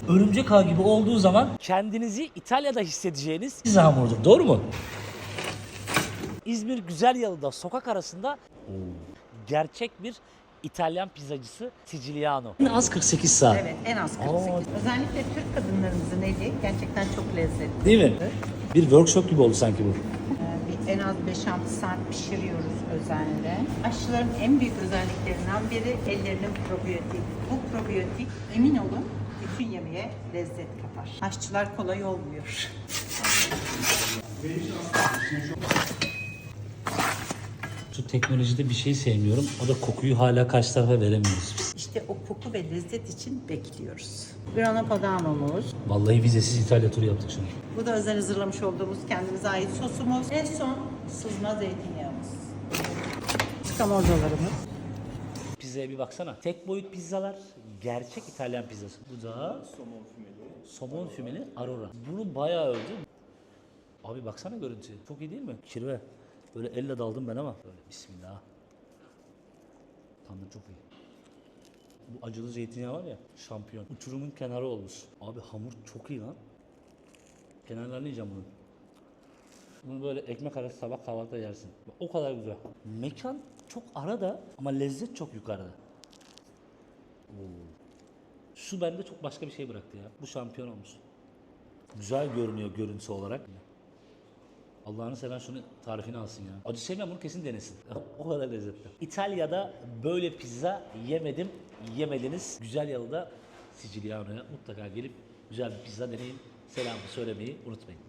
örümcek ağ gibi olduğu zaman kendinizi İtalya'da hissedeceğiniz pizza hamurudur. Doğru mu? İzmir Güzelyalı'da sokak arasında gerçek bir İtalyan pizzacısı Siciliano. En az 48 saat. Evet, en az 48. Özellikle Türk kadınlarımızın eli gerçekten çok lezzetli. Değil mi? Bir workshop gibi oldu sanki bu. En az 5-6 saat pişiriyoruz özenle. Aşçıların en büyük özelliklerinden biri ellerinin probiyotik. Bu probiyotik emin olun bütün yemeğe lezzet katar. Aşçılar kolay olmuyor. Şu teknolojide bir şey sevmiyorum. O da kokuyu hala karşı tarafa veremiyoruz biz. İşte o koku ve lezzet için bekliyoruz. Grana Padano'muz. Vallahi vizesiz İtalya turu yaptık şimdi. Bu da özel hazırlamış olduğumuz kendimize ait sosumuz. En son sızma zeytinyağımız. Skamorzalarımız. Pizzaya bir baksana. Tek boyut pizzalar gerçek İtalyan pizzası. Bu da somon fümeli Aurora. Bunu bayağı övdüm. Abi baksana görüntüye. Çok iyi değil mi? Kirve. Böyle elle daldım ben ama. Böyle bismillah. Tandır çok iyi. Bu acılı zeytinyağı var ya, şampiyon. Uçurumun kenarı olmuş. Abi hamur çok iyi lan. Kenarlarını yiyeceğim bunun. Bunu böyle ekmek arası sabah kahvaltıda yersin. O kadar güzel. Mekan çok arada ama lezzet çok yukarıda. Şu bende çok başka bir şey bıraktı ya. Bu şampiyon olmuş. Güzel görünüyor görüntüsü olarak. Allah'ını seven şunu tarifini alsın ya. Acı sevmeyen bunu kesin denesin. O kadar lezzetli. İtalya'da böyle pizza yemedim, yemediniz. Güzelyalı'da Siciliano'ya mutlaka gelip güzel bir pizza deneyin. Selamı söylemeyi unutmayın.